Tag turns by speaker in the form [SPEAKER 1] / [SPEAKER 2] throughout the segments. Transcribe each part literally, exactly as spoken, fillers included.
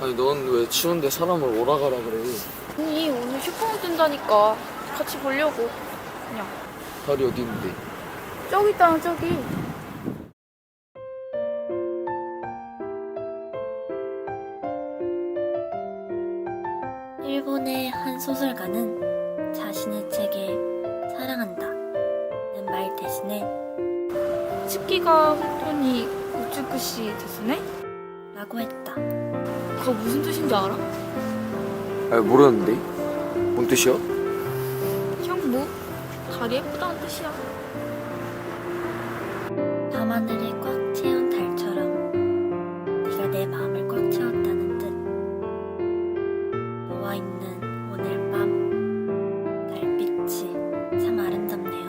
[SPEAKER 1] 아니 넌 왜 추운데 사람을 오라가라 그래?
[SPEAKER 2] 아니 오늘 슈퍼문 뜬다니까 같이 보려고. 그냥
[SPEAKER 1] 달이 어디 있는데?
[SPEAKER 2] 저기 있다 저기.
[SPEAKER 3] 일본의 한 소설가는 자신의 책에 사랑한다는 말 대신에
[SPEAKER 2] 츠키가 혼돈이 우츠쿠시 데스네?
[SPEAKER 3] 라고 했다.
[SPEAKER 2] 그거 무슨 뜻인지 알아?
[SPEAKER 1] 아 모르는데? 뭔 뜻이야?
[SPEAKER 2] 형무 달이 예쁘다는 뜻이야.
[SPEAKER 3] 밤하늘에 꽉 채운 달처럼 네가 내 마음을 꽉 채웠다는 뜻. 너와 있는 오늘 밤 달빛이 참 아름답네요.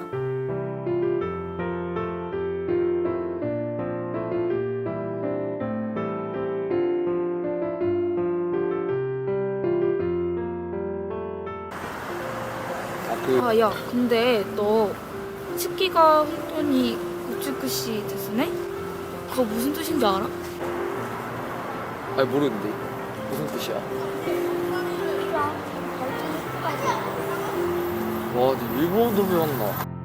[SPEAKER 1] 그
[SPEAKER 2] 아 야 근데 너 츠키가 혼돈이 우츠쿠시 데스네? 그거 무슨 뜻인지 알아?
[SPEAKER 1] 아니 모르는데 무슨 뜻이야? 와, 니 일본어도 배웠나?